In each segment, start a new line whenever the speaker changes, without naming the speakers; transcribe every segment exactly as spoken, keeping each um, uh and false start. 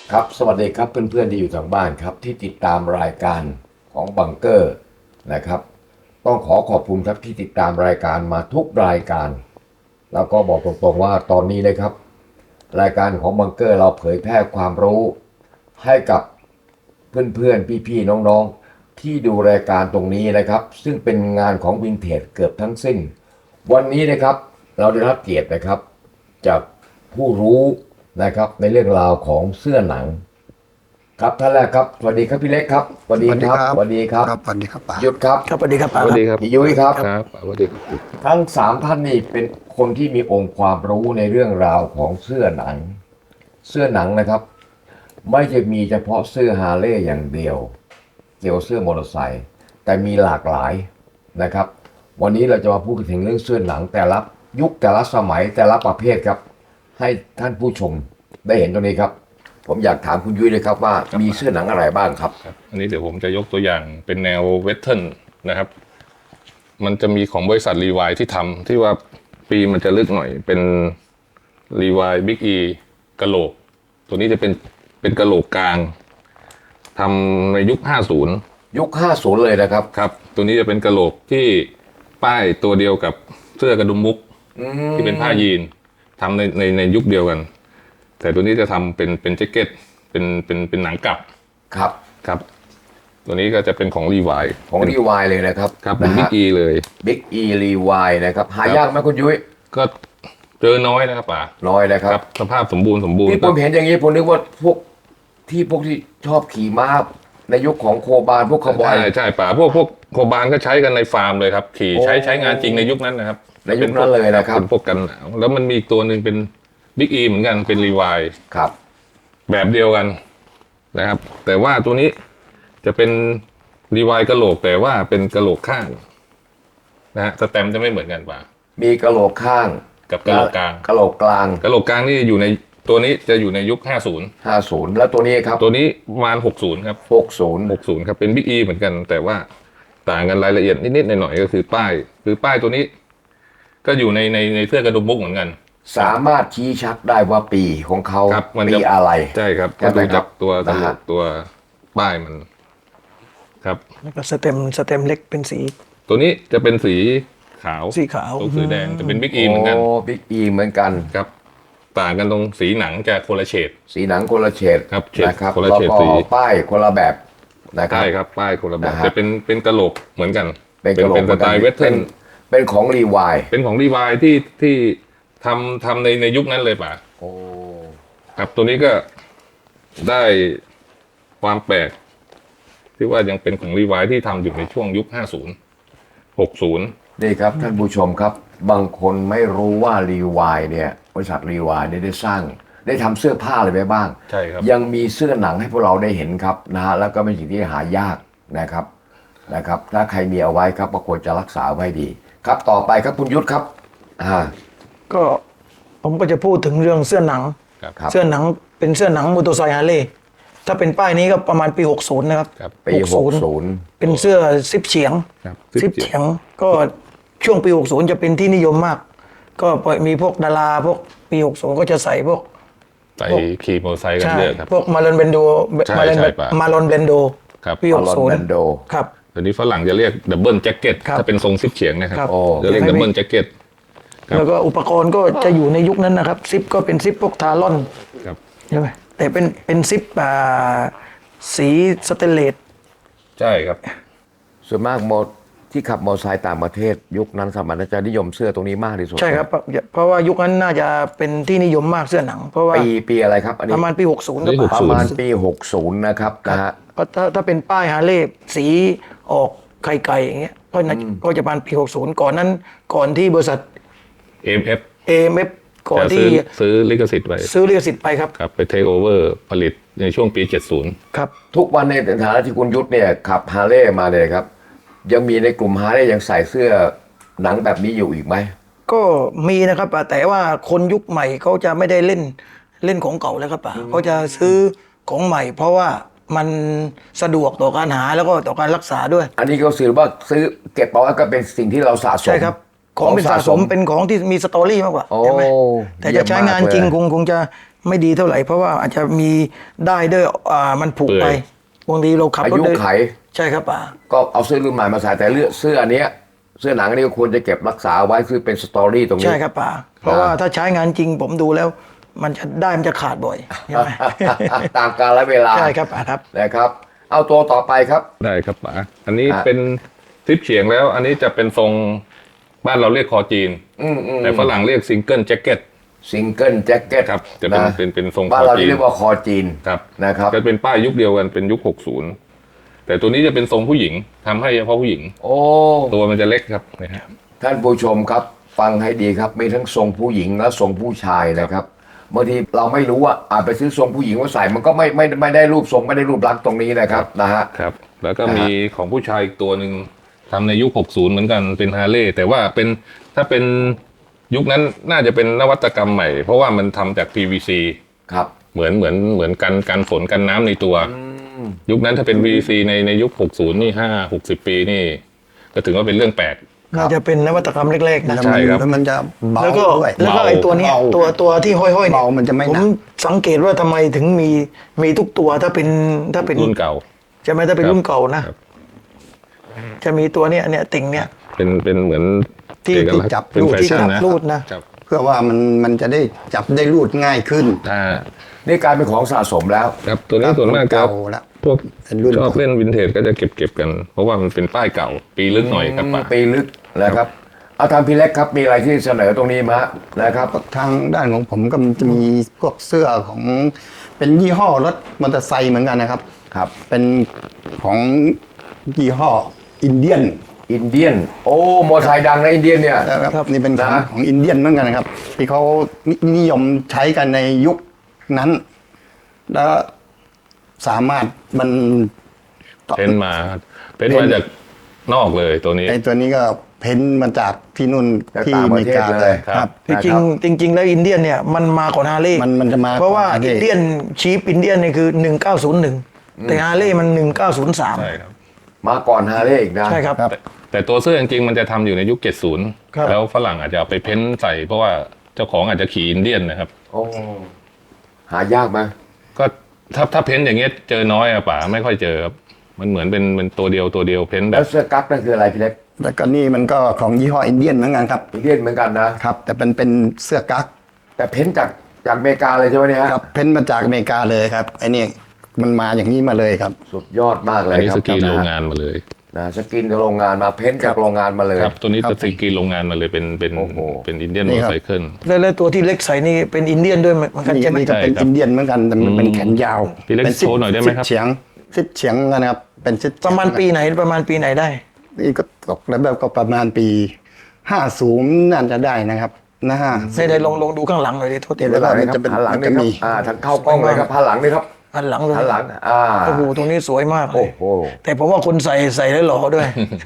ครับสวัสดีครับเพื่อนๆที่อยู่ทางบ้านครับที่ติดตามรายการของบังเกอร์นะครับต้องขอขอบคุณครับที่ติดตามรายการมาทุกรายการแล้วก็บอกตรงๆว่าตอนนี้นะครับรายการของบังเกอร์เราเผยแพร่ความรู้ให้กับเพื่อนๆพี่ๆน้องๆที่ดูรายการตรงนี้นะครับซึ่งเป็นงานของวินเทจเกือบทั้งสิ้นวันนี้นะครับเราได้รับเกียรตินะครับจากผู้รู้นะครับในเรื่องราวของเสื้อหนังครับท่านแรกครับสวัสดีครับพี่เล็กครับสวัสดีครับสวัสดีครับ
ครับสวัสดีครับป๋า
หยุดครับ
ครับสวัสดีครับ
ส
ป๋า
วัสดีครับ
พี่ยุ้ยครับ
ครับสวัสดีครับ
ทั้งสามท่านนี่เป็นคนที่มีองค์ความรู้ในเรื่องราวของเสื้อหนัง เสื้อหนังนะครับ ไม่ใช่มีเฉพาะเสื้อฮาร์เลย์อย่างเดียว เกี่ยวเสื้อมอเตอร์ไซค์แต่มีหลากหลายนะครับ วันนี้เราจะมาพูดถึงเรื่องเสื้อหนังแต่ละยุคแต่ละสมัยแต่ละประเภทครับ ให้ท่านผู้ชมได้เห็นตรงนี้ครับ ผมอยากถามคุณยุ้ยเลยครับว่ามีเสื้อหนังอะไรบ้างครับ
ครับอันนี้เดี๋ยวผมจะยกตัวอย่างเป็นแนวเวสเทิร์นนะครับ มันจะมีของบริษัทรีวายที่ทำที่ว่าปีมันจะลึกหน่อยเป็นรีวายบิ๊กอีกะโหลก ตัวนี้จะเป็นเป็นกะโหลกกลางทำในยุคห้าสิบ
ยุคห้าสิบเลยนะครับ
ครับ ตัวนี้จะเป็นกะโหลกที่ป้ายตัวเดียวกับเสื้อกระดุมมุกที่เป็นผ้ายีนทำในในในยุคเดียวกัน แต่ตัวนี้จะทำเป็นเป็นแจ็คเก็ตเป็นเป็นเป็นหนังกลับ
ครับ
ครับ ตัวนี้ก็จะเป็นของรีวาย
ของรีวายเลยนะครับ
ครับเป็นบิ๊กอีเลย
บิ๊กอีรีวายนะครับหายากไหมคุณยุ้ย
ก็เจอน้อยนะครับป๋า
น้อยนะครับ
สภาพสมบูรณ์สมบูรณ์
ที่ผมเห็นอย่างนี้ผมนึกว่าพวกที่พวกที่ชอบขี่ม้าในยุคของโคบานพวกคาร์บอย
ใช่ใช่ป๋าพวกพวกโคบานก็ใช้กันในฟาร์มเลยครับ ขี่ใช้
โอ้
ใช้งานจริงในยุคนั้นนะครับ
ในยุคนั้นเลยนะครับ
เป็นพวกกันหนาวแล้วมันมีอีกตัวหนึ่งเป็นบิ๊กอีเหมือนกันเป็นรีวาย
ครับ
แบบเดียวกันนะครับ แต่ว่าตัวนี้จะเป็นรีวายกะโหลกแต่ว่าเป็นกะโหลกข้างนะฮะสแตมป์จะไม่เหมือนกันป๋า
มีกระโหลกข้าง
กับกะโหลกกลาง
กระโหลกกลาง
กะโหลกกลางนี่อยู่ในตัวนี้จะอยู่ในยุคห้าสิบ
ห้าสิบแล้วตัวนี้ครับ
ตัวนี้ประมาณหกสิบครับ
หกสิบ
หกสิบครับเป็นบิ๊กอีเหมือนกัน แต่ว่าต่างกันรายละเอียดนิดๆหน่อยๆก็คือป้าย คือป้ายตัวนี้ ก็อยู่ในในในเสื้อกระดุมมุกเหมือนกัน
สามารถชี้ชัดได้ว่าปีของเขา
ครับมัน
ปี
จะ
อะไร
ใช่ครับ
ใช่
ก็
ไหม
ดู
ครั
จา
บ
กตัว
นะฮะ
ตัวป้ายมัน ครับ
แล้วก็สเต็มสเต็มเล็กเป็นสี
ตัวนี้จะเป็นสีขาว
สีขาว
ตัวสีแดงจะเป็นบิ๊กอีเหมือนกัน
โอ้บิ๊กอีเหมือนกัน
ครับ ต่างกันตรงสีหนังจะคนละเฉด
สีหนังคนละเฉด
ครับเฉด
นะครับ
คนละ
แล้ว
เฉด
ก็
สี
ป้ายคนละแบบนะครับ
ใช่ครับ ป้ายคนละแบบ
นะฮะ
จะเป็นเป็นกระโหลกเหมือนกัน
เป็นกระโหลก
เป็นสไตล์เวสเทิร์น
เป็นของรีวาย
เป็นของรีวายที่ที่ทำทำในในยุคนั้นเลยป่ะ
โอ้
ครับตัวนี้ก็ได้ความแปลก ที่ว่ายังเป็นของรีวายที่ทำอยู่ในช่วงยุคห้าสิบ หกสิบ
นี่ครับท่านผู้ชมครับ บางคนไม่รู้ว่ารีวายเนี่ยบริษัทรีวายเนี่ยได้สร้าง ได้ทำเสื้อผ้าอะไรไปบ้าง
ใช่ครับ
ยังมีเสื้อหนังให้พวกเราได้เห็นครับนะฮะแล้วก็เป็นสิ่งที่หายากนะครับนะครับ ถ้าใครมีเอาไว้ครับก็ควรจะรักษาไว้ดี ครับต่อไปครับคุณยุทธครับอ่า
ก็ผมก็จะพูดถึงเรื่องเสื้อหนัง
ครับ
ครับ
เสื้อหนังเป็นเสื้อหนังมอเตอร์ไซค์ฮาร์เลย์ถ้าเป็นป้ายนี้ก็ประมาณปีหกสิบนะครับ
ครับ
ปีหกสิบ
เป็นเสื้อซิปเฉียง
ครับ
ซิปเฉียงก็ช่วงปีหกสิบจะเป็นที่นิยมมาก ก็มีพวกดาราพวกปีหกสิบก็จะใส่พวก
ใส่ขี่มอเตอร์ไซค์กัน
ใช่
เยอะครับ
พวกมาลอนเบนโด
ใช่
มาลอน
ใช่ป่ะ
มาลอนเบนโด
ครับ
ปีหกสิบ
มาลอนแบนโด
ครับ
ตอนนี้ฝรั่งจะเรียกดับเบิลแจ็คเก็ต
ครับ
ถ้าเป็นทรงซิปเฉียงนะครับ
ครับ
โอ้
จะเรียกดับเบิลแจ็คเก็ต ครับ
แล้วก็อุปกรณ์ก็จะอยู่ในยุคนั้นนะครับ ซิปก็เป็นซิปพวกทารอน
ครับ
ใช่ไหมแต่เป็นเป็นซิปอ่าสีสเตนเลส
ใช่ครับ
ส่วนมากโมที่ขับมอเตอร์ไซค์ต่างประเทศ ยุคนั้นสมัยนั้นจะนิยมเสื้อตรงนี้มากที่สุด
ใช่ครับเพราะเพราะว่ายุคนั้นน่าจะเป็นที่นิยมมากเสื้อหนัง เพราะว่า
ปีปีอะไรครับอัน
ป
นี้
ระมาณปีหกสิบ
ปีหกสิบ
ประมาณปีหกสิบนะครับนะฮะ
เพราะถ้าถ้าเป็นป้ายฮาร์เลย์สีออกไข่ไก่อย่างเงี้ยก็น่าก็จะประมาณปีหกสิบก่อนนั้นก่อนที่บริษัท
เอ็ม เอฟ
เอ เอ็ม เอฟ ก่อน
จะ
ที่
ซื้อซื้อลิขสิทธิ์ไว้
ซื้อลิขสิทธิ์ไปครับ
ครับไปเทคโอเวอร์ผลิตในช่วงปีเจ็ดสิบ
ครับ
ทุกวันในฐานะที่คุณยุทธเนี่ยขับฮาร์เลย์มาเนี่ยครับ ยังมีในกลุ่มฮาร์เลย์ยังใส่เสื้อหนังแบบนี้อยู่อีกไหม
ก็มีนะครับป่ะแต่ว่าคนยุคใหม่เขาจะไม่ได้เล่นเล่นของเก่าแล้วครับป่ะเขาจะซื้อของใหม่ เพราะว่ามันสะดวกต่อการหาแล้วก็ต่อการรักษาด้วย
อันนี้ก็สื่อว่าซื้อเก็บเอาไว้ก็เป็นสิ่งที่เราสะสม
ใช่ครับ ของเป็นสะสมเป็นของที่มีสตอรี่มากกว่า
โอ้
ใช่ไหมแต่จะใช้งานจริง
เยี่ยมมากเลย
คงคงจะไม่ดีเท่าไหร่เพราะว่าอาจจะมีได้ด้วยอ่ามันผุไป
เปื่อย
บางทีเราขับ
อาร
ถ
ยุ
เดิน
ไข
ใช่ครับป่า
ก็เอาเสื้อรุ่นใหม่มาใส่แต่เลือกเสื้ออันเนี้ยเสื้อหนังอันนี้ก็ควรจะเก็บรักษาไว้คือเป็นสตอรี่ตรงนี้
ใช่ครับป่าเพราะว่าถ้าใช้งานจริงผมดูแล้ว มันจะได้มันจะขาดบ่อยใช่ไหม
ตามกาลเวลา
ใช่ครับป่าครับ
นะครับ เอาตัวต่อไปครับ
ได้ครับป๋าอันนี้
อ่ะ
เป็นทริปเฉียงแล้ว อันนี้จะเป็นทรงบ้านเราเรียกคอจีน
อืมอืม
แต่ฝรั่งเรียกซิงเกิลแจ็คเก็ต
ซิงเกิลแจ็คเก็ต
ครับจะเป็นเป็นเป็นทรง
บ้านเรา
คอจีน
เรียกว่าคอจีน
ครับ
นะครับ
จะเป็นป้ายยุคเดียวกันเป็นยุค หกสิบ แต่ตัวนี้จะเป็นทรงผู้หญิงทำให้เฉพาะผู้หญิง
โอ้
ตัวมันจะเล็กครับนะฮะ
ท่านผู้ชมครับ ฟังให้ดีครับมีทั้งทรงผู้หญิงและทรงผู้ชายนะครับบางทีเราไม่รู้ว่าอาจไปซื้อทรงผู้หญิงมาใส่มันก็ไม่ไม่ไม่ได้รูปทรงไม่ได้รูปลักษณ์ตรงนี้นะครับนะฮะ
ครับ แล้วก็
นะฮะ
มีของผู้ชายอีกตัวหนึ่งทำในยุค หกสิบ เหมือนกันเป็นฮาร์เลย์แต่ว่าเป็นถ้าเป็นยุคนั้นน่าจะเป็นนวัตกรรมใหม่ เพราะว่ามันทำจาก พี วี ซี
ครับ
เหมือนเหมือนเหมือนกันกันฝนกันน้ำในตัว ยุคนั้นถ้าเป็น พี วี ซี ในในยุค หกสิบ นี่ห้า หกสิบ ปีนี่ก็ถือว่าเป็นเรื่องแปลก
น่าจะเป็นนวัตกรรมเล็กๆนะ
แล้ว
ใช่
มัน
ครับ
แล้วมันจะเบา
แล้วก็
ด้วย
แล้วก็
เบา
ไอ้ตัวเนี้ย
เบา
ตัวตัวที่ห้อยๆเนี่ย
เบามันจะไม่
ผ
หนั
ม
ก
สังเกตว่าทำไมถึงมีมีทุกตัวถ้าเป็นถ้าเป็น
รุ่นเก่า
ใช่ไหมถ้าเป็น
ครับ
รุ่นเก่านะ
ครับ
จะมีตัวเนี้ยเนี่ยติ่งเนี่ย
เป็นเป็นเหมือน
ที่
เอกลักษณ์
ที่จับ
เป็น
รูด
แฟ
ที่
ชั่น
จับ
นะ
รูดนะ
ครับ
เพื่อว่ามันมันจะได้จับได้รูดง่ายขึ้น
ถ้า
นี่กลายเป็นของสะสมแล้ว
ครับตัวนี้ส่วนมากจะ
เก่าแล้ว
พวก
เป็นรุ่น
ชอบเล่นวินเทจก็จะเก็บเก็บกัน เพราะว่ามันเป็นป้ายเก่า ปีลึกหน่อยครับป่ะ
ปีลึกนะครับ เอาทางพี่เล็กครับมีอะไรที่เสนอตรงนี้มานะครับ
ทางด้านของผมก็จะมีพวกเสื้อของเป็นยี่ห้อรถมอเตอร์ไซค์เหมือนกันนะครับ
ครับ
เป็นของยี่ห้ออินเดียน
อินเดียนโอ้มอเตอร์ไซค์ดังนะอินเดียนเนี่ย
นะครับนี่เป็นของ
นะ
ของอินเดียนเหมือนกันนะครับ ที่เขานินิยมใช้กันในยุคนั้น แล้วสามารถมัน
เพ้นมาเพ้นมาจากนอกเลยตัวนี้
ไอตัวนี้ก็เพ้นท์มาจากที่นู่น
จาก
ที่
ต่าง
อ
ป
เม
ระ
ริ
เทศ
กา
เลย
เลย
ครับ
จริงๆจริง ๆ แล้วอินเดียนเนี่ยมันมาก่อนฮาร์เลย์
มันมันจะมา
เพราะว่า
ก่อน
อิน
Harley
เดียนชีพอินเดียนเนี่ยคือหนึ่งเก้าศูนย์หนึ่งแต่ฮาร์เลย์มันหนึ่งเก้าศูนย์สาม
ใช่ครับ
มาก่อนฮาร์เลย์อีกนะ
ใช่ครับ
ครับ
แต่แต่ตัวเสื้อจริงๆมันจะทำอยู่ในยุค เจ็ดสิบ
ครับ
แล้วฝรั่งอาจจะเอาไปเพ้นใส่ เพราะว่าเจ้าของอาจจะขี่อินเดียนนะครับ
โอ้หายากไหม
ก็ถ้าถ้าเพ้นอย่างเงี้ยเจอน้อยอะป่าไม่ค่อยเจอครับมันเหมือนเป็นเป็นตัวเดียวตัวเดียวเพ้นแบ
แล้ว
บ
เสื้อกั๊กนั่นคืออะไรพี่เล็ก
แล้วก็นี่มันก็ของยี่ห้ออินเดียนเหมือนกันครับ
อินเดียนเหมือนกันนะ
ครับ แต่เป็นเป็นเสื้อกั๊ก
แต่เพ้นจากจากอเมริกาเลยใช่ไหมเนี่ยฮะ
ครับเพ้นท์มาจากอเมริกาเลยครับไอนี่มันมาอย่างนี้มาเลยครับ
สุดยอดมากเล
อั
ย
นนี้
ครั
ส
บ
กรีน
นะ
โรงงานมาเลย
นะสกินจากโรงงานมาเพ้นจากโรงงานมาเลย
ครับตัวนี้
ครับ
สกรีนโรงงานมาเลยเป็นเป็น
โอ้โห
เป็นอินเดียน
นี่
มอ
ครับ
ไซเคิล
แล้วแล้วตัวที่เล็กใส่นี่เป็นอินเดียนด้วยเหมือนกัน
นี่
ใช่ไหม
นี่ก็เป็น
ใช่ครับ
อินเดียนเหมือนกันแต่มันเป็นแขนยาว
พี่เล็ก
เป็น
โชว์หน่อยได้ไหมครับ
สิเฉียงสิบเฉียงนะครับเป็นสิบ
ประมาณปีไหนประมาณปีไหนได้
นี่ก็ตกแล้วแบบก็ประมาณปีห้าศูนย์น่าจะได้นะครับนะฮะ
ได้ได้ลองลองดูข้างหลังหน่อยดิโทษที
เดี๋ยว
หันหลัง
มัน
นี่ค
จะ
รับ
เป็น
หันหลัง
มัน
นี่
จะ
ครับ
มี
อ่าทางเข้ากล้องเลยครับหันหลังนี่ครับ
หันหลังเลย
หันหลังอ่า
โอ้โหตรงนี้สวยมากเล
โอ้
ย
โห
แต่ผมว่าคนใส่ใส่แล้วหล่อด้วย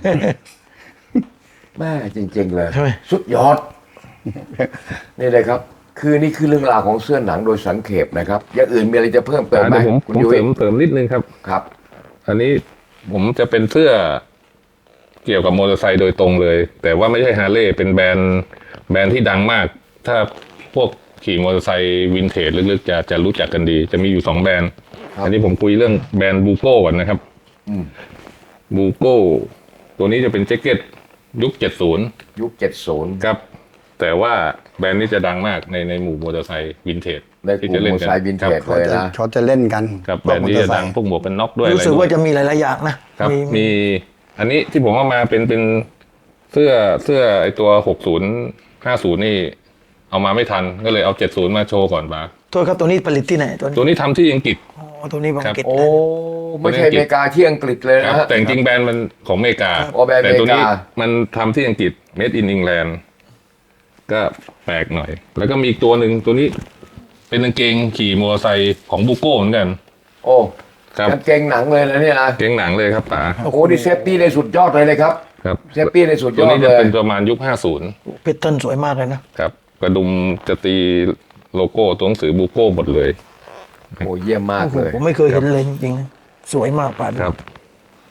แม่จริง ๆ เลย
ใช่ไหม
สุดยอด นี่เลยครับ คือนี่คือเรื่องราวของเสื้อหนังโดยสังเขปนะครับ อย่างอื่นมีอะไรจะเพิ่มเติมไหม
เดี๋ยวผม
คุ
ผ
ณ
ม
ยุ้
เส
ย
ริมเสริมนิดนึงครับ
ครับ
อันนี้ผมจะเป็นเสื้อเกี่ยวกับมอเตอร์ไซค์โดยตรงเลย แต่ว่าไม่ใช่ฮาร์เลย์เป็นแบรนด์แบรนด์ที่ดังมาก ถ้าพวกขี่มอเตอร์ไซค์วินเทจลึกๆจะจะรู้จักกันดี จะมีอยู่สองแบรนด์
ครับ
อันนี้ผมคุยเรื่องแบรนด์บูโก้ก่อนนะครับ
อืม
บูโก้ตัวนี้จะเป็นแจ็คเก็ตยุคเจ็ดสิบ
ยุคเจ็ดศูนย์
ครับ แต่ว่าแบรนด์นี้จะดังมากในในหมู่มอเตอร์ไซค์วินเทจ
ในกลุ่มมอเตอร์ไซค์วินเทจ
ครับ
เลยนะ
เขาจะเล่นกัน
ครับแบรนด์นี้จะดังพวกหมวกกันน็อกด้วยอะไร
รู้สึก
ด้ว
ว่าย จะมีหลายๆอย่างนะครับ มี
มีอันนี้ที่ผมเอามาเป็นเป็นเสื้อเสื้อไอตัวหกศูนย์ห้าศูนย์นี่เอามาไม่ทันก็เลยเอาเจ็ดศูนย์มาโชว์ก่อนมา
โทษครับตัวนี้ผลิตที่ไหนตัวนี้
ตัวนี้ทำที่อังกฤษ
อ๋อตัวนี้บาง
ครับ
กิจ
โอ้ไม่ใช่อเมริกาที่อังกฤษเลย
ครั
นะ
บ
ฮะ
แต่จริงๆแบรนด์มันของอเมริกา
อ๋อแบรนด์
แต่ตัวนี้
อเมริกา
มันทำที่อังกฤษ made in England ก็แปลกหน่อย แล้วก็มีอีกตัวหนึ่งตัวนี้เป็นกางเกงขี่มอเตอร์ไซค์ของบูโก้เหมือนกัน
โอ้
ครับ
กางเกงหนังเลยนะเนี่ยนะ
เกงหนังเลยครับป๋า
โอ้โหนี่เซฟตี้ในสุดยอดเลยเลยครับ
ครับ
เซฟตี้ในสุดย
ตัว
อด
นี้
เล
จะ
ย
เป็นประมาณยุคห้าสิบ
เพชรเทิลสวยมากเลยนะครับ
กระดุมจะตีโลโก้ตัวหนังสือบูโก้หมดเลย
โอ้เยี่ยมมาก
โอ้โห
เลย
ผมไม่เคยเห็นเลยจริงๆนะสวยมากป่าน
ครับ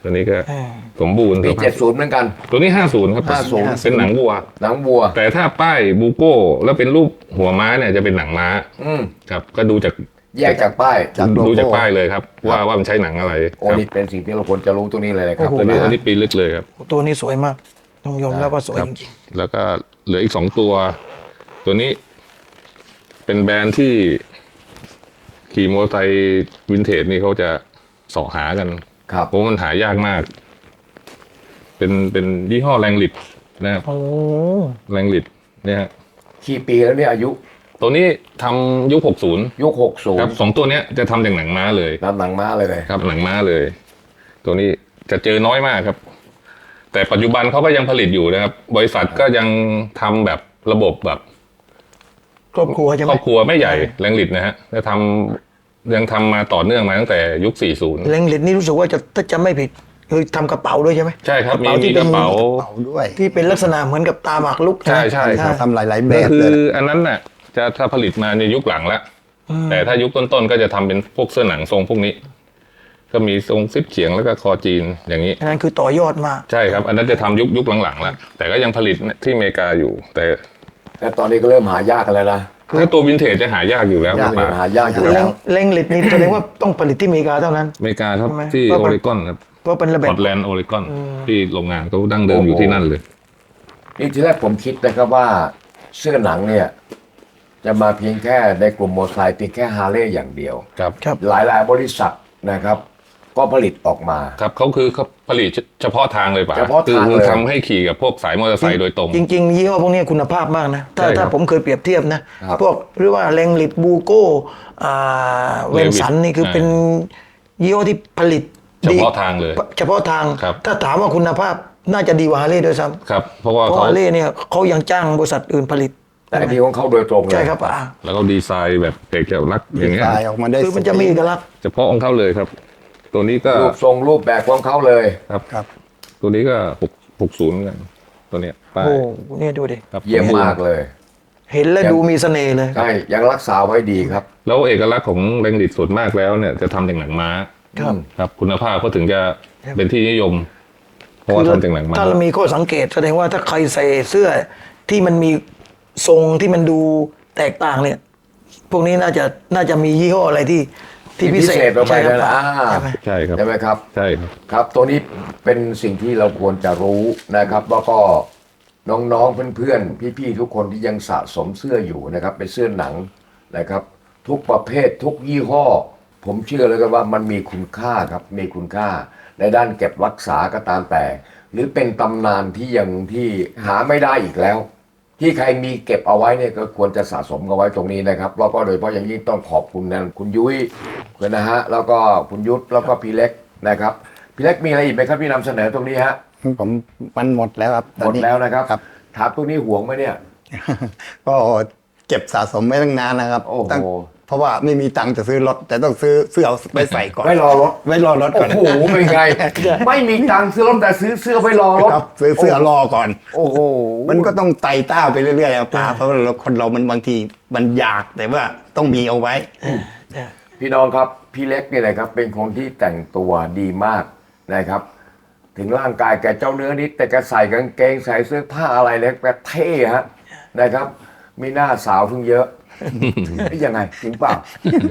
ตัวนี้ก็
อ่า
สมบูรณ์
ปี
สภาพ
เจ็ดศูนย์เหมือนกัน
ตัวนี้ห้าศูนย์ครับ
ห้าสิบ
เป็นหนังวัว
หนังวัว
แต่ถ้าป้ายบูโก้แล้วเป็นรูปหัวม้าเนี่ยจะเป็นหนังม้า
อืม
ครับ ก็ดูจาก
แยกจากป้าย
จากโล
ดูจาก
โก้
ป้ายเลยครับ ว่าว่ามันใช้หนังอะไร
โอ้
ครับ
นี่เป็นสิ่งที่เราควรจะรู้ตรงนี้เลยนะครับ
โอ้โห
ตัวนี้อันนี้ปีลึกเลยครับ
ตัวนี้สวยมากต้องยอมแล้วว่าสวย
ครับ
จริง
แล้วก็เหลืออีกสองตัว ตัวนี้เป็นแบรนด์ที่ขี่มอเตอร์ไซค์วินเทจนี่เขาจะเสาะหากัน
ครับ
เพราะมันหายากมาก เป็นเป็นยี่ห้อแรงลิดนะครับ
ๆโอ้
แรงลิดเนี่ยฮะ
กี่ปีแล้วเนี่ยอายุ
ตัวนี้ทำยุคหกสิบ
ยุคหกศูน
ครับ
ย์
สองตัวเนี้ยจะทำจากหนังม้าเลย
น้ำหนังม้าเลยเลย
ครับหนังม้าเลย ตัวนี้จะเจอน้อยมากครับ แต่ปัจจุบันเขาก็ยังผลิตอยู่นะครับ บริษัทก็ยังทำแบบระบบแบบ
ครอบครัวใช่ไห
ค
ม
รอบครัวไม่ใหญ่แรงลิดนะฮะจะทำยังทำมาต่อเนื่องมาตั้งแต่ยุค สี่สิบ
เล็งเหล็กนี่รู้สึกว่าจะถ้าจะไม่ผิดคือทำกระเป๋าด้วยใช่ไหม
ใช่ครับ มี
กระเป๋าที่
มี
เป็
ก
น
ระเป๋า
เป่าด้วย
ที่เป็นลักษณะเหมือนกับตาหมากรุก
ใช่ใช่ครับ
ทำหลายๆแบ
ก็
บ
คื
เล
อย อันนั้นน่ะจะถ้าผลิตมาในยุคหลังแล้ว แต่ถ้ายุคต้นๆก็จะทำเป็นพวกเสื้อหนังทรงพวกนี้ ก็มีทรงซิปเฉียงแล้วก็คอจีนอย่างนี้
อันนั้นคือต่อยอดมา
ใช่ครับ อันนั้นจะทำยุคยุคหลังๆแล้วแต่ก็ยังผลิตที่อเมริกาอยู่ แต่
แต่ตอนนี้ก็เริ่มหายากกันแล้วนะ
ถ้าตัววินเทจจะหายากอยู่แล้ว
ยาก
ป่า
หายากอยู่
เล็
แล้
ง
ว
เล็งเหล็กนี่แสดงว่าต้องผลิตที่อเมริกาเท่านั้น
อเมริกาครับ
ใช่ไหม
ที่
เพราะ
โอ
มัน
เรกอนครับ
เพราะเป็นระ
พ
เบี
อย
บ
ร์ตแลนด์โอเรกอนที่โรงงานเขาดั้งเดิมอยู่ที่นั่นเลย
นี่ทีแรกผมคิดนะครับว่าเสื้อหนังเนี่ย จะมาเพียงแค่ในกลุ่มมอเตอร์ไซค์เพียงแค่ฮาร์เลย์อย่างเดียว
ครับ
ครับ
หลายๆบริษัทนะครับ ก็ผลิตออกมา
ครับเขาคือเขาผลิตเฉพาะทางเลยป่ะ
เฉพาะทาง
คือ
เลย
ทำให้ขี่กับพวกสายมอเตอร์ไซค์โดยตรง
จริงๆยี่ห้อพวกนี้คุณภาพมากนะ ถ้า
ใช่ครับ
ถ้าผมเคยเปรียบเทียบนะครับ พวกหรือว่าแรงลิดบูโก้อ่าเวนสันนี่คือ
ใช่
เป็นยี่ห้อที่ผลิต
เฉ
ดี
พาะทางเลย
เฉพาะทาง
ครับ
ถ้าถามว่าคุณภาพน่าจะดีกว่าฮาร์เลย์ด้วยซ้ำ
ครับ เพราะว่า
เพราะ
เขา
ฮาร์เลย์เนี่ยเขายังจ้างบริษัทอื่นผลิต
แต่อันนี้ของเขาโดยตรงเลย
ใช่ครับอ่า
แล้วก็ดีไซน์แบบเอกลักษณ์อย่างเงี้ย
ลายออกมาได้
คือมันจะมีเอกลักษณ์
เฉพาะของเขาเลยครับ ตัวนี้ก็
รูปทรงรูปแบบของเขาเลย
ครับ
ครับ
ตัวนี้ก็หกหกศูนย์เหมือนกันตัวเนี้ยป้าย
โอ้เนี่ยดูดิ
ครับ
เยี่ยมมากเลย
เห็นแล้วดูมีเสน่ห์เลย
ใช่ยังรักษาไว้ดีครับ
แล้วเอกลักษณ์ของแรงดิดส่วนมากแล้วเนี่ยจะทำจากหนังม้า
ครับ
ครับ คุณภาพก็ถึงจะเป็นที่นิยม เพราะว่าทำจากหนังม้า
ถ้าเรามีข้อสังเกตแสดงว่าถ้าใครใส่เสื้อที่มันมีทรงที่มันดูแตกต่างเนี่ย พวกนี้น่าจะน่าจะมียี่ห้ออะไรที่ที่พิเศษ
ออกไป
ใช่
เลย
ค
นะ
รับ
อ่า
ใช่ไหม
ใช่ครับ
ใช่ไหมครับ
ใช่ครับ
ครับตัวนี้เป็นสิ่งที่เราควรจะรู้นะครับ แล้วก็น้องๆเพื่อนๆพี่ๆทุกคนที่ยังสะสมเสื้ออยู่นะครับ เป็นเสื้อหนังนะครับ ทุกประเภททุกยี่ห้อ ผมเชื่อเลยกันว่ามันมีคุณค่าครับมีคุณค่า ในด้านเก็บรักษาก็ตามแต่ หรือเป็นตำนานที่ยังที่หาไม่ได้อีกแล้ว ที่ใครมีเก็บเอาไว้เนี่ยก็ควรจะสะสมเอาไว้ตรงนี้นะครับแล้วก็โดยเฉพาะอย่างยิ่งต้องขอบคุณนะคุณยุ้ยนะฮะแล้วก็คุณยุทธแล้วก็พี่เล็กนะครับพี่เล็กมีอะไรอีกไหมครับที่นำเสนอตรงนี้ฮะ
ผมมันหมดแล้วครับต
ห
อ
ม
น
ด
นี้
แล้วนะครับ
ครับ
ถามตรงนี้ห่วงไหมเนี่ย
ก็เก็บสะสมไว้ตั้งนานนะครับ
โอ้โห
ตั้งเพราะว่าไม่มีตังค์จะซื้อรถ แต่ต้องซื้อเสื้อเอาไปใส่ก่อน
ไว้รอรถ
ไว้รอรถ
โอ้
ก่อน
โหเป็นไง ไม่มีตังค์ซื้อรถแต่ซื้อเสื้อไว้รอรถ
ครับซื้อเสื้อรอก่อน
โอ้โห
มันก็ต้องไต่เต้าไปเรื่อยๆอะป้าเพราะว่าเราคนเรามันบางทีมันอยากแต่ว่าต้องมีเอาไว้
พี่น้องครับพี่เล็กเนี่ยนะครับเป็นคนที่แต่งตัวดีมากนะครับ ถึงร่างกายแกเจ้าเนื้อนิดแต่แกใส่กางเกงใส่เสื้อผ้าอะไรเนี่ยแกเท่ฮะนะครับ มีหน้าสาวเพิ่งเยอะ ยังไงจริงเปล่า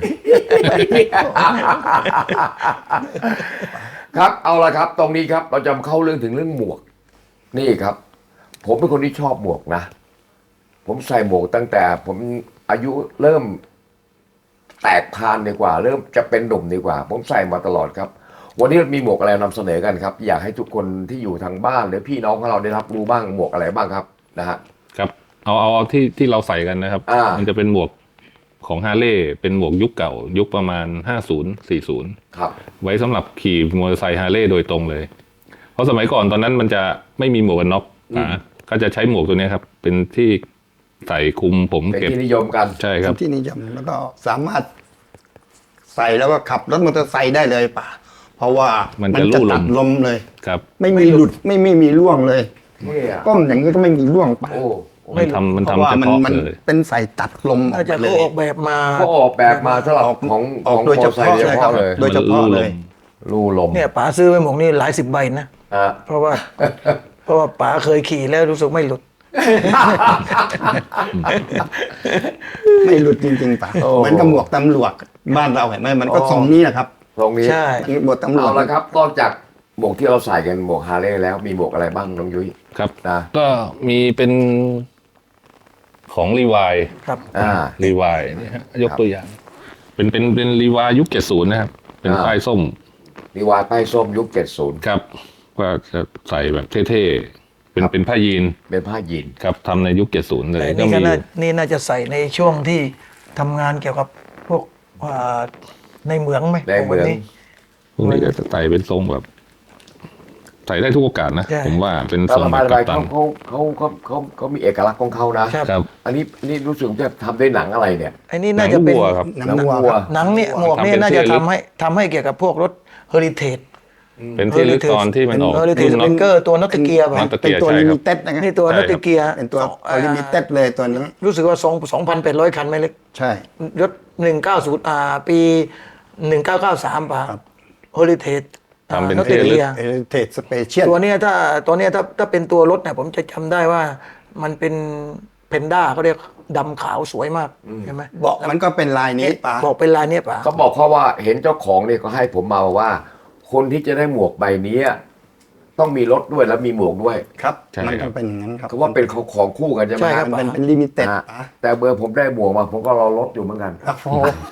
ครับเอาละครับ ตรงนี้ครับเราจะเข้าเรื่องถึงเรื่องหมวก นี่ครับ ผมเป็นคนที่ชอบหมวกนะ ผมใส่หมวกตั้งแต่ ผมอายุเริ่มแตกพานดีกว่า เริ่มจะเป็นหนุ่มดีกว่า ผมใส่มาตลอดครับ วันนี้มีหมวกอะไรนำเสนอกันครับ อยากให้ทุกคนที่อยู่ทางบ้านหรือพี่น้องของเราได้รับรู้บ้างหมวกอะไรบ้างครับนะฮะ
ครับเอาเอาเอาที่ที่เราใส่กันนะครับ
อ่ามั
มันจะเป็นหมวกของฮาร์เลย์เป็นหมวกยุคเก่า ยุคประมาณห้าสิบ สี่สิบ
ครับ
ไว้สำหรับขี่มอเตอร์ไซค์ฮาร์เลย์โดยตรงเลย เพราะสมัยก่อนตอนนั้นมันจะไม่มีหมวกกันน็อกนะก็จะใช้หมวกตัวเนี้ยครับ เป็นที่ใส่คลุมผม
เป็น
เก็บ
ที่นิยมกัน
ใช่ครับ
ที่นิยมแล้วก็สามารถใส่แล้วก็ขับรถมอเตอร์ไซค์ได้เลยป่ะเพราะว่า
มั
มัน
จะลู่ลม
ตัดลมเลย
ครับ
ไม่มีหลุดไม่ไม่มีร่วงเลย
นี่อ่ะ
ก้มอย่างนี้ก็ไม่มีร่วงป่ะ
โอ้
มันทำมัน
เพ
ทำ
ราะว่า
เฉ
มัน
พาะ
มัน
เลย
เป็นใส่ตัดลมออ
น่าก จะ
ไปเล
เขา
ย
ออกแบบมา
ก็ออกแบบมาสำหรับของ
ออก
ของ
โดยเฉพาะ
มอตอร์ไซค์โดยเฉพาะเลย
โดยเฉพาะเลย
ลู่ลม
เนี่ยป๋าซื้อไปหมวกนี่หลายสิบใบนะ
อ่ะ
เพราะว่า เพราะว่าป๋าเคยขี่แล้วรู้สึกไม่หลุด
ไม่หลุดจริงๆป่ะ
โอ้
เหมือนกับหมวกตำรวจบ้านเราเห็นไหมมันก็
อ๋อ
ทรงนี้แหละครับ
ตรงนี้
ใช่
หมวกตำรวจ
เอาละครับนอกจากหมวกที่เราใส่กันหมวกฮาร์เลย์แล้วมีหมวกอะไรบ้างน้องยุ้ย
ครับ
นะ
ก็มีเป็นของรีวาย
ครับ
อ่า
รีวายนี่ฮะยกตัวอย่าง เป็นเป็นเป็นรีวายยุคเจ็ดศูนย์นะครับ เป็น
อ่า
ป้ายส้ม
นิวาใต้ส้มยุคเจ็ดสิบ
ครับก็จะใส่แบบเท่ๆเป็นเป็นผ้ายีน
เป็นผ้ายีน
ครับทำในยุคเจ็ดศูนย์เลย
แต่
ก็
นี่
มี
ก็
อ
น่า
ยู่
นี่น่าจะใส่ในช่วงที่ทำงานเกี่ยวกับพวกอ่าในเหมืองไหม
ในเหมือง
พวกนี้
พวกนี้ก็จะใส่เป็นทรงแบบ ใส่ได้ทุกโอกาสนะ
ใช่
ผมว่าเป็น
แต่
ทรง
ละ
แบ
มา
บ
ระ
กั
บา
ป
ย
ตั
เขา
น
เขาเขาเขาเขาเขามีเอกลักษณ์ของเขานะ
ครับ
ครับ
อันนี้นี่รู้สึกจะทำด้วยหนังอะไรเนี่ย
ไอ้นี่น่าจะเป็น
หงวัวครับ
หนังวัวครับ
หนังเนี่ยหมวกเนี่ย
ทำเป็น
น่าจะ
ที่ระลึก
ทำให้ทำให้เกี่ยวกับพวกรถเฮอริเทจ
เป็นที่ลึกตอนที่มันออก
เฮอริเทจ
รุ่น
ส
น็อ
เป
ต
นเกอร์ตัวนอตเกียร์
น็
ป่ะ
อต
เป็นตัว
ใช่
ลิ
ครับ
มิเต็ดนะครับ
นี่ตัวนอตเกียร์
เป็นตัวลิมิเต็ดเลยตัวนั้น
รู้สึกว่าสองสองพันแปดร้อยคันไม่เล็ก
ใช่
รถหนึ่งเก้าศูนย์อ่าปีหนึ่งเก้าเก้าสามป่ะ
ครับ
เฮอริเทจ
ทำเป็น
นอต
ที่ระลึก
เกียร์
เอเทสสเปเชียล
ตัวเนี้ยถ้าตัวเนี้ยถ้าถ้าเป็นตัวรถเนี่ยผมจะจำได้ว่ามันเป็นเพนด้าเขาเรียกดำขาวสวยมากใช่ไหม
เบาะมันก็เป็นลายนี้ป่ะ
บอกเป็นลายเนี้ยป่ะ
เขาบอกเขาว่าเห็นเจ้าของเนี่ยก็ให้ผมมาว่า คนที่จะได้หมวกใบนี้ต้องมีรถด้วยแล้วมีหมวกด้วย
ครับ
ใช่
มัน
ครั
ก็
บ
เป็นอย่างนั้นครับ
เขาว่าเป็นของของคู่กันใช่ไหม
ใช่ครับ
มันเป็นเป็นลิมิเต็ด
อ่ะ
ป่ะ
แต่เบอร์ผมได้หมวกมาผมก็รอรถอยู่เหมือนกัน
โอ้โห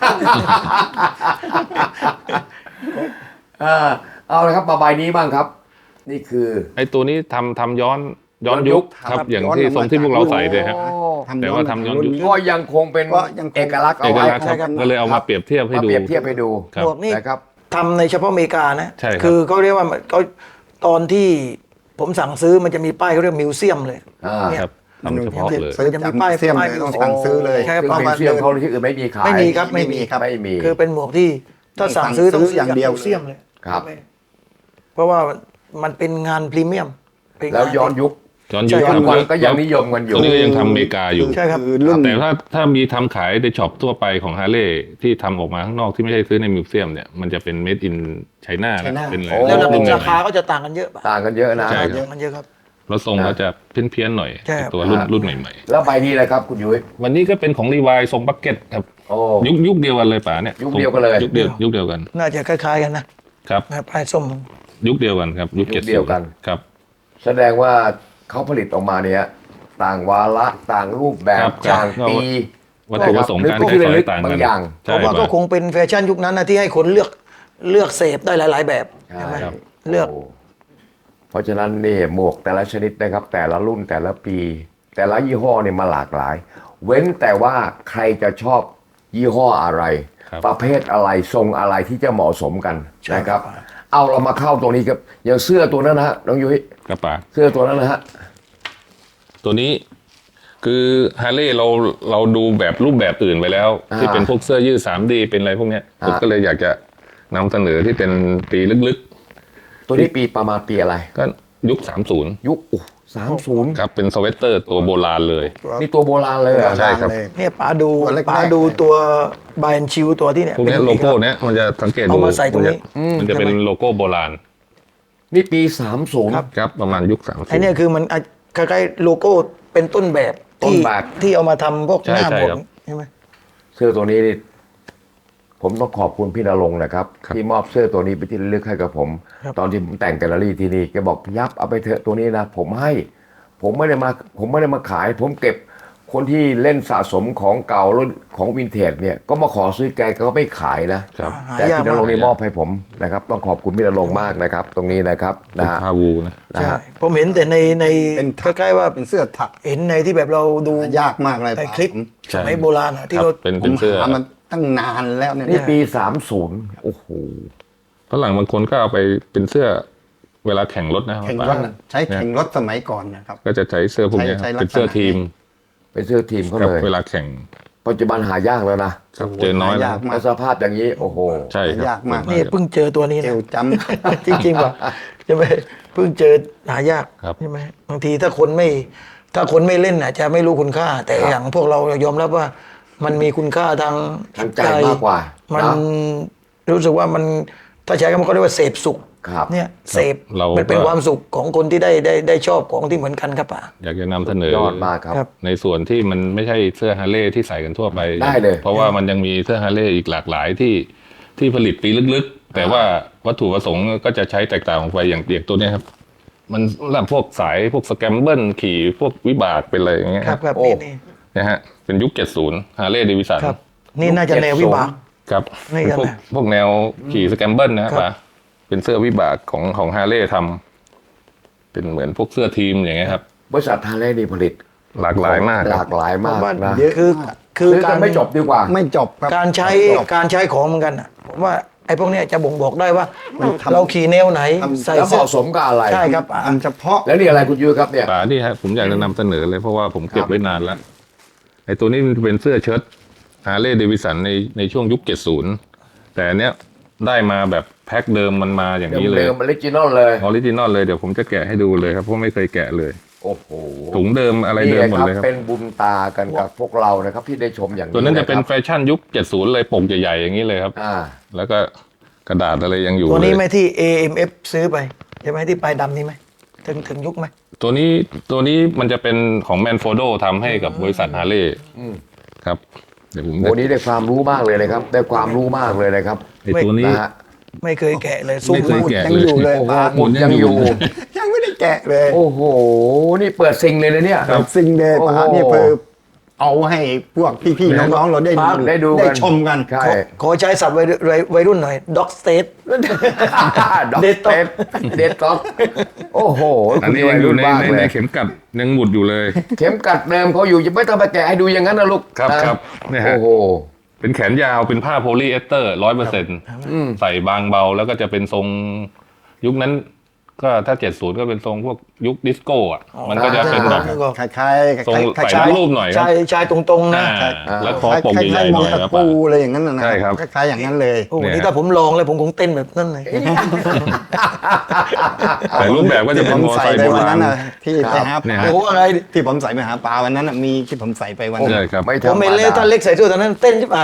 อ่าเอาละครับมาใบนี้บ้างครับ นี่คือ
ไอ้ตัวนี้ทำทำย้อนย้อน
ย้อนยุ
ยุ
ค
คครับ อย่างที่ทรงที่พวกเราใส่เลยฮะ แต่ว่าทำย้อนยุค
ก็ยังคงเป็น
ก็ยังคง
เอกลักษณ์
เอ
เอา
ก
ไว้
ลักษณ์ครับก็เลยเอามาเปรียบเทียบให้
มา
ดู
เปรียบเทียบให้ดู
ครับ
หมวกนี่
นะครับ
ทำในเฉพาะอเมริกานะ
ใช่ครับ
คือเขาเรียกว่ามันเขาตอนที่ผมสั่งซื้อมันจะมีป้ายเขาเรียกมิวเซียมเลย
อ่า
เนี่ย
ครับทำเฉพาะเลย
ซื้อจากมิวเซียมเลยต้องสั่งซื้อเลย
ใช่ครับ
ซึ่ง
พราะ
มิ
ว่าว
เซียมเขาที่อื่นไม่มีขาย
ไม่มีครับ
ไม่มีครับ
ไม่มี
คือเป็นหมวกที่ถ้าสั่งซื้อ
ต้
ต้
อ
อง ง
ซื้ออย่างเดียว
มิวเซียมเลย
ครับ
เพราะว่ามันเป็นงานพรีเมียมเป็งา
แล้วย้อนยุค
ย้อนยุค
ย้อน
ครับ
วันก็ยังนิยมกันอยู่
ตัวนี้ก็ยังทำอเมริกาอยู่
ใช่ครับ
คือรุ่น
แต่ถ้าถ้ามีทำขายในช็อปทั่วไปของฮาร์เลย์ที่ทำออกมาข้างนอกที่ไม่ใช่ซื้อในมิวเซียมเนี่ยมันจะเป็น made in China นะ
China
เป็นอะไร
โอ้
แล้ว
รุ่น
รา
ให
คา
ม่
ก็จะต่างกันเยอะป่ะ
ต่างกันเยอะนะ
ใช่
เยอะมันเยอะครับ
ๆแล้วทรงก็จะเพี้ยนๆหน่อย
ใช่ครับ
ตัวรุ่น
อ่า
รุ่นใหม่
แล้วใบนี้เลยครับคุณยุ้ย
ๆ วันนี้ก็เป็นของรีวายทรงบักเก็ตครับ
โอ้
ยุคยุคเดียวกันเลยป่าเนี่ย
ยุคเดียวกันเลย
ยุคเดียวยุคเดียวกัน
น่าจะคล้ายๆกันนะครับ นะป้ายส้ม
ยุคเดียวกันครับ ยุค
ยุ
เจ็ด
คเดียวกัน
ครับ
แสดงว่าเขาผลิตออกมาเนี่ยต่างวาระต่างรูปแบบ
ครับ
ต่าง
ครับ
ปี
วัตถุประสงค์การ
หรือ
ใช้สอย
ลึกๆ
ต่าง
บา
กั
ง
น
อย่าง
เพ
ใช่
ราะว่าก็
ป่ะ
คงเป็นแฟชั่นยุคนั้นนะที่ให้คนเลือกเลือกเสพได้หลาย ๆ แบบ
ใช่
ใช่ไหม
ครับ
เลือก
โเพราะฉะนั้นนี่หมวกแต่ละชนิดนะครับ แต่ละรุ่นแต่ละปี แต่ละยี่ห้อเนี่ยมาหลากหลาย เว้นแต่ว่าใครจะชอบยี่ห้ออะไร
ครับ
ประเภทอะไรทรงอะไรที่จะเหมาะสมกัน
ใช่
นะครับ
ครับ
เอาเรามาเข้าตรงนี้ครับอย่างเสื้อตัวนั้นนะฮะน้องยุ้ย
กระป๋า
เสื้อตัวนั้นนะฮะ
ตัวนี้คือฮาร์เลย์เราเราดูแบบรูปแบบอื่นไปแล้ว
อ่า
ที่เป็นพวกเสื้อยืด สาม ดี เป็นอะไรพวกเนี้ย
อ่า
ผมก็เลยอยากจะนำเสนอที่เป็นปีลึก
ตัวนี้ปีประมาณปีอะไร
ๆ ก็ยุค สามสิบ
ยุคสามศูนย์
ครับเป็นสเวตเตอร์ตัวโบราณเลย
นี่ตัวโบราณเลยเหรอ
ใช่ครับ
เนี่ยป๋าดู
ตัวเล็กๆ
ป๋าดูตัวบายชิวตัวที่เนี่ย
พวกเนี้ย
เป็น
โลโก้เนี้ยมันจะสังเกตดู
เอามาใส่ตรงนี้
มันจะเป็นโลโก้โบราณ
นี่ปีสามศูนย์
ครับประมาณยุค สามสิบ
ไอเนี่ยคือมันอ่ะคล้ายๆโลโก้เป็นต้นแบบ
ต้น
ที่
แบบ
ที่เอามาทำพวก
ใช่
หน้า
ใช่
ผม
ครับ
ใช่ไหม
เสื้อตัวนี้นี่ผมต้องขอบคุณพี่นรงค์นะครับ
ครับ
ที่มอบเสื้อตัวนี้ไปที่ระลึกให้กับผม ตอนที่ผมแต่งแกลเลอรี่ที่นี่แกบอกยับเอาไปเถอะตัวนี้นะผมให้ ผมไม่ได้มา ผมไม่ได้มาขาย ผมเก็บคนที่เล่นสะสมของเก่ารุ่นของวินเทจเนี่ย ก็มาขอซื้อแกแกก็ไม่ขายนะครับ
หา
แต่
ยาก
พี่น
มาก
รงค์นี่มอบให้ผมนะครับ ต้องขอบคุณพี่นรงค์มากนะครับ ตรงนี้นะครับนะฮะ
พาวูนะ
นะ
ใช่
ฮะ
ผมเห็นแต่ในใน
เป็น
คล้ายๆว่า
เป็นเสื้อถัก
เห็นในที่แบบเราดู
ยากมากเลย
ในคลิป
ผม
สมัยโบราณอะที่
ครับ
เรา
เป็น
ผ
เป็น
ม
เสื้อ
หามันตั้งนานแล้วเนี่ย
นี่ปีสามศูนย์โอ้โห
ฝรั่งบางคนก็เอาไปเป็นเสื้อเวลาแข่งรถนะ
แข่ง
ป่ะ
รถน่ะใช้แข่งรถสมัยก่อนนะครับ
ก็จะใช้เสื้อพวกเนี้ย
ใช้ใช้ลักษณะ
เป็นเสื้อทีม
เป็นเสื้อทีมเขา
ครับ
เลย
เวลาแข่ง
ปัจจุบันหายากแล้วนะ
ครับเจอน้อยแล้ว
หายากมาก
แล้วสภาพอย่างนี้โอ้โห
ใช่ครับ
ยากมาก
นี่เพิ่งเจอตัวนี้
เอ
นะ
วจ
จริงๆว่ะใช่ไหมเพิ่งเจอหายาก
ครับ
ใช่ไหมบางทีถ้าคนไม่ ถ้าคนไม่เล่นอาจจะไม่รู้คุณค่า แต่อย่างพวกเรายอมรับว่า มันมีคุณค่าทาง
ทางใจมากกว่า
มัน
นะ
รู้สึกว่ามันถ้าใช้คำว่าเขาเรียกว่าเสพสุข
ครับ
เนี่ยเสพ
เรามั
มันเป็น
ก็
ความสุขของคนที่ได้ได้ได้ชอบของที่เหมือนกันครับป่า
อยากจะนำเสนอย
อดมากครับ
ครับ
ในส่วนที่มันไม่ใช่เสื้อฮาร์เลย์ที่ใส่กันทั่วไป
ได้เลย
เพราะว่ามันยังมีเสื้อฮาร์เลย์อีกหลากหลายที่ที่ผลิตปีลึกๆ แต่ว่าวัตถุประสงค์ก็จะใช้แตกต่างออกไปอย่างเดียกตัวเนี้ยครับ มันสำหรับพวกสายพวกสแกมเบิลขี่พวกวิบากเป็นอะไรอย่างเงี้ย
ครับครับ
โอ้
นี่นี่
นะฮะเป็นยุคเจ็ดสิบฮาร์เลย์เดวิสัน
ครับ นี่น่าจะแนววิบาก
ครับ
นี่
เป็นพวก
กันนะ
พวกแนวขี่สแกมเบิลนะครับ
ครับ
ป่ะเป็นเสื้อวิบากของของฮาร์เลย์ทำเป็นเหมือนพวกเสื้อทีมอย่างเงี้ยครับ
บริษัทฮาร์เลย์นี่ผลิต
หลากหลายมาก
ห
ค
ลา
รับ
กหลายมากนะ
เยอะ
คือ
มาก
คือ
ซื้อ
การ
กันไม่จบดีกว่า
ไม่จบครับ
การใช้
ไม่จบ
การใช้ของเหมือนกันอ่ะผมว่าไอ้พวกเนี้ยจะบ่งบอกได้ว่า
มันทำ
เราขี่แนวไหน
ทำ
ใส่
แล้วเห
เสื้อ
มาะสมกับอะไร
ใช่ครับป่า
อันเฉพาะ
แล้วนี่อะไรคุณยุ้ยครับเนี่ย
ป่านี่ฮะผมอยากจะนำเสนอเลยเพราะว่าผมเก็
ครับ บ
ไว้นานแล้วไอ้ตัวนี้มันเป็นเสื้อเชิ้ตฮาร์เลย์เดวิสันในในช่วงยุคเจ็ดสิบแต่อันเนี้ยได้มาแบบแพ็คเดิมมันมาอย่างนี้เลย
เดิมๆออริจินอลเลย
ออริจินอลเลยเดี๋ยวผมจะแกะให้ดูเลยครับเพราะไม่เคยแกะเลย
โอ้โห
ถุงเดิมอะไร
นี่
เดิมหมด
ครับ
เลยครับ
เป็นบุญตากันกับพวกเรานะครับที่ได้ชมอย่างนี้
ตัวนั้นจะเป็น
ครับ
แฟชั่นยุคเจ็ดสิบเลยปกใหญ่ๆอย่างนี้เลยครับ
อ่า
แล้วก็กระดาษอะไรยังอยู่
ตัวนี้
เลย
ไหมที่ เอ เอ็ม เอฟ ซื้อไปใช่ไหมที่ปลายดำนี่ไหมถึงถึงยุคไหม
ตัวนี้ตัวนี้มันจะเป็นของแมนโฟโดทำให้กับบริษัทฮาร์เลย์
อืม
ครับเดี๋ยวผม
โอ้นี้ได้ความรู้มากเลยนะครับ ได้ความรู้มากเลยนะครับ
ไอ้ตัวนี้
นะฮะ
ไม่เคยแกะเลยซุ้ม
ไม่เคยแกะ
ยังอยู่เลย
โอ้โห
ปา
หมุนยังอยู่
ยังไม่ได้แกะเลย
โอ้โห นี่เปิดซิงเลยนะเนี่ย
แบบสิ่งเด
โอ้โห
ปานี่เพื่อเอาให้พวกพี่ๆน้องๆเราได้
ครับได้ดูกัน
ได้ชมกัน
ใช่
ขอขอใช้ศัพท์วัยวัยวัยรุ่นหน่อยด็อกสเตท
ด็อก
เด็ดต๊อก
เด็ดต๊อกโอ้โห
อันนี้
คุณ
ยัง
วั
อยู่ใน
มาก
ใน
เล
ใน
ย
เข็มกัดยังหมุดอยู่เลย
เข็มกัดเดิมเขาอยู่จะไม่ต้องไปแกะให้ดูอย่างนั้นนะลูก
ครับ
นะครับ
เนี่ยฮะ
โอ้โห
เป็นแขนยาวเป็นผ้าโพลีเอสเตอร์ร้อยเปอร์เซ็นต์ใส่บางเบาแล้วก็จะเป็นทรงยุคนั้น ก็ถ้าเจ็ดสิบก็เป็นทรงพวกยุคดิสโก้อะมันก็จะเป็นแบบ
คล้ายๆ
ทรง
คล้ายๆ
ใส่รูปหน่อยครับ
ชายชายตรงๆนะ
อ่าแล้วคอปก
คล้ายๆ
ใหญ่ๆห
ม
น่
อง
อย
ตะ
ครับ
ปูอะไรอย่างนั้นนะ
ใช่ครับ
คล้ายๆอย่างนั้นเลย
โอ้โห
เนี่ย
นี่ถ้าผมลองเลยผมคงเต้นแบบนั้นเลย
แต่รูปแบบก็จะ
ที่
เป็
ผ
น
ม
มอ
ใส่
ไซค์
ไป
โบ
วัน
รา
นั้
ณ
นน่ะที่ไปหา
เนี่ย
ป
ฮะ
ลา
โอ้โหอะไร
ที่ผมใส่ไปหาปลาวันนั้นน่ะมีที่ผมใส่ไปวันนั้น
ใช่ครับ
ไม่
ผ
ธร
ม
รม
เห็นเลย
ดา
ท่านเล็กใส่เสื้อตอนนั้นเต้นใช่ไหม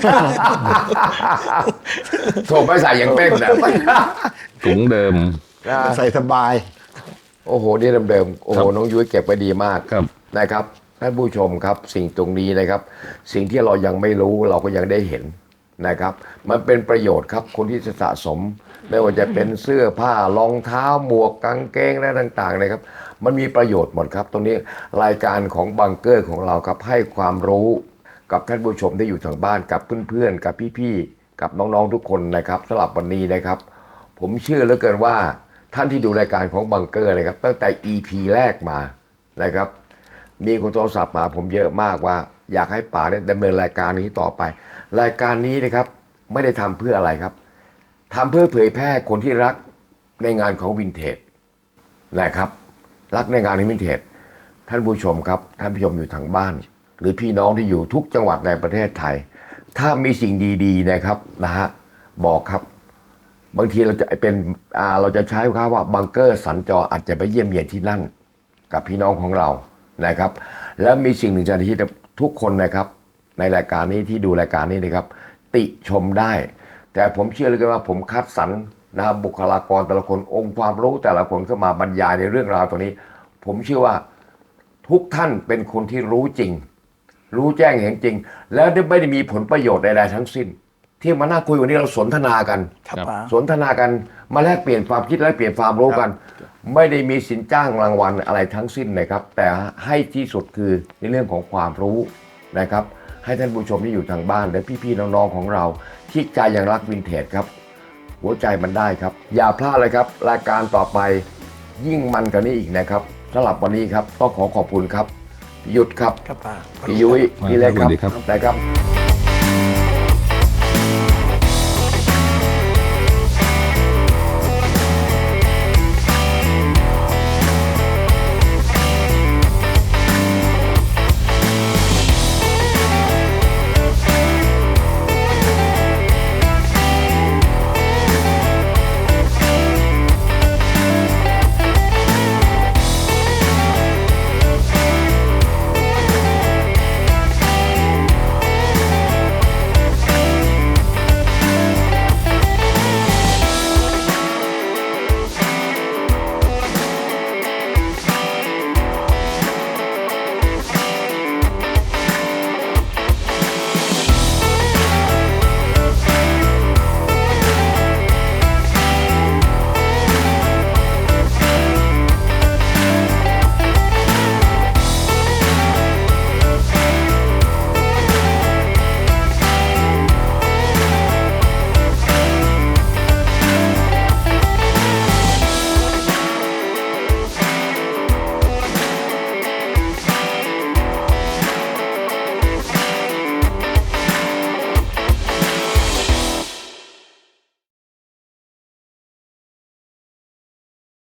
โถไม่ใส่อย่างเต้นนะ
ถุงเดิม
ใส่สบาย
โอ้โห นี่เดิมๆ โอ้โห
ครับ
น้องยุ้ยเก็บไว้ดีมาก
ครับ
นะครับท่านผู้ชมครับ สิ่งตรงนี้นะครับ สิ่งที่เรายังไม่รู้เราก็ยังได้เห็นนะครับ มันเป็นประโยชน์ครับคนที่จะสะสม ไม่ว่าจะเป็นเสื้อผ้ารองเท้าหมวกกางเกงและต่างๆนะครับ มันมีประโยชน์หมดครับ ตรงนี้รายการของบังเกอร์ของเราครับให้ความรู้กับท่านผู้ชมที่อยู่ทางบ้านกับเพื่อนๆกับพี่ๆกับน้องๆทุกคนนะครับสำหรับวันนี้นะครับ ผมเชื่อเหลือเกินว่าท่านที่ดูรายการของบังเกอร์นะครับตั้งแต่ อี พี แรกมานะครับ มีคนโทรศัพท์มาผมเยอะมากว่าอยากให้ป๋าเนี่ยดำเนินรายการนี้ต่อไป รายการนี้นะครับไม่ได้ทำเพื่ออะไรครับทำเพื่อเผยแพร่คนที่รักในงานของวินเทจนะครับ รักในงานของวินเทจท่านผู้ชมครับท่านผู้ชมอยู่ทางบ้าน หรือพี่น้องที่อยู่ทุกจังหวัดในประเทศไทย ถ้ามีสิ่งดีๆนะครับนะฮะบอกครับ บางทีเราจะเป็นอ่าเราจะใช้คำว่าบังเกอร์สัญจรอาจจะไปเยี่ยมเยียนที่นั่นกับพี่น้องของเรานะครับ แล้วมีสิ่งหนึ่งที่ทุกคนนะครับ ในรายการนี้ที่ดูรายการนี้นะครับ ติชมได้ แต่ผมเชื่อเลยว่าผมคัดสรรนะครับบุคลากรแต่ละคนองค์ความรู้แต่ละคนเข้ามาบรรยายในเรื่องราวตรงนี้ ผมเชื่อว่าทุกท่านเป็นคนที่รู้จริง รู้แจ้งเห็นจริง แล้วไม่ได้มีผลประโยชน์ใดๆทั้งสิ้น ที่มานั่งคุยวันนี้เราสนทนากัน
ครับป๋า
สนทนากันมาแลกเปลี่ยนความคิดแลกเปลี่ยนความรู้กัน ไม่ได้มีสินจ้างรางวัลอะไรทั้งสิ้นนะครับ แต่ให้ที่สุดคือในเรื่องของความรู้นะครับ ให้ท่านผู้ชมที่อยู่ทางบ้านและพี่ๆน้องๆของเราที่ใจยังรักวินเทจครับ หัวใจมันได้ครับ อย่าพลาดเลยครับ รายการต่อไปยิ่งมันกว่านี้อีกนะครับสำหรับวันนี้ครับต้องขอขอบคุณครับพี่ยุทธครับ
ครับป๋า
พี่ยุ้ยพี่เล็กครับ
สวัสดีครับ
นะครับ